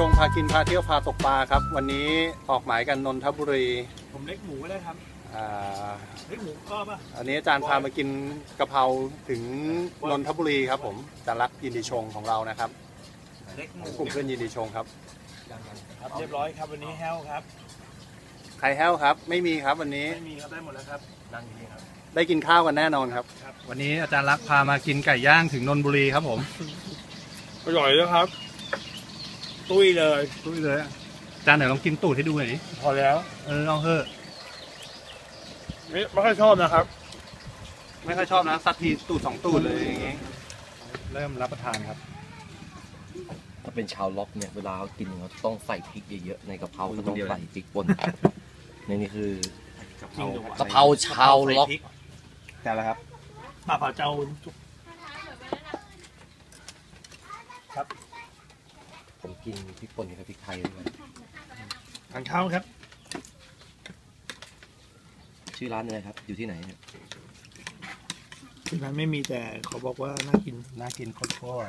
งพากินพาเที่ยวพาตกปลาครับวันนี้ออกหมายกันนนทบุรีผมเล็กหมูก็ได้ครับเล็กหมูก็ป่ะอันนี้อาจารย์พามากินกะเพราถึงนนทบุรีครับผมอาจารย์รักยินดีชงของเรานะครับเล็กหมูกลุ่มเพื่อนยินดีชงครับเรียบร้อยครับวันนี้แห้วครับใครแห้วครับไม่มีครับวันนี้ไม่มีครับได้หมดแล้วครับดังนี้ครับได้กินข้าวกันแน่นอนครับวันนี้อาจารย์รักพามากินไก่ย่างถึงนนทบุรีครับผมอร่อยเลยครับตุ้ยเลยอาจารย์ไหนลองกินตูดให้ดูหน่อยดิพอแล้วเอาเถอะไม่ค่อยชอบนะครับไม่ค่อยชอบนะสักทีตูด2 ตูดเลยอย่างงี้เริ่มรับประทานครับถ้าเป็นชาวล็อกเนี่ยเวลาเขากินเขาต้องใส่พริกเยอะๆในกะเพราเขาต้องใส่พริกป่นนี่คือกะเพราชาวล็อกแต่ละครับปลาเผาเจ้าครับผมกินพริกป่นกับพริกไทยด้วยทานข้าวครับชื่อร้านอะไรครับอยู่ที่ไหนที่ร้านไม่มีแต่เขาบอกว่าน่ากินโคตร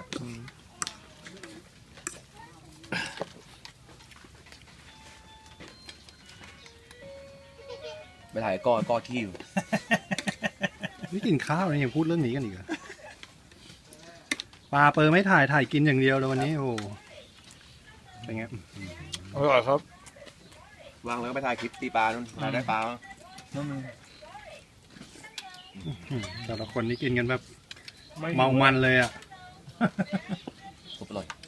ไปถ่ายก้อขี้อยู่ไม่กินข้าวเลยยังพูดเรื่องนี้กันอีกอะปลาเปอร์ไม่ถ่ายกินอย่างเดียวเลยวันนี้โอ้เป็นไงอร่อยครับวางแล้วก็ไปถ่ายคลิปตีปลานู่นถ่ายได้ปลาแต่ละคนนี่กินกันแบบเมามันเลยอ่ะสุดอร่อย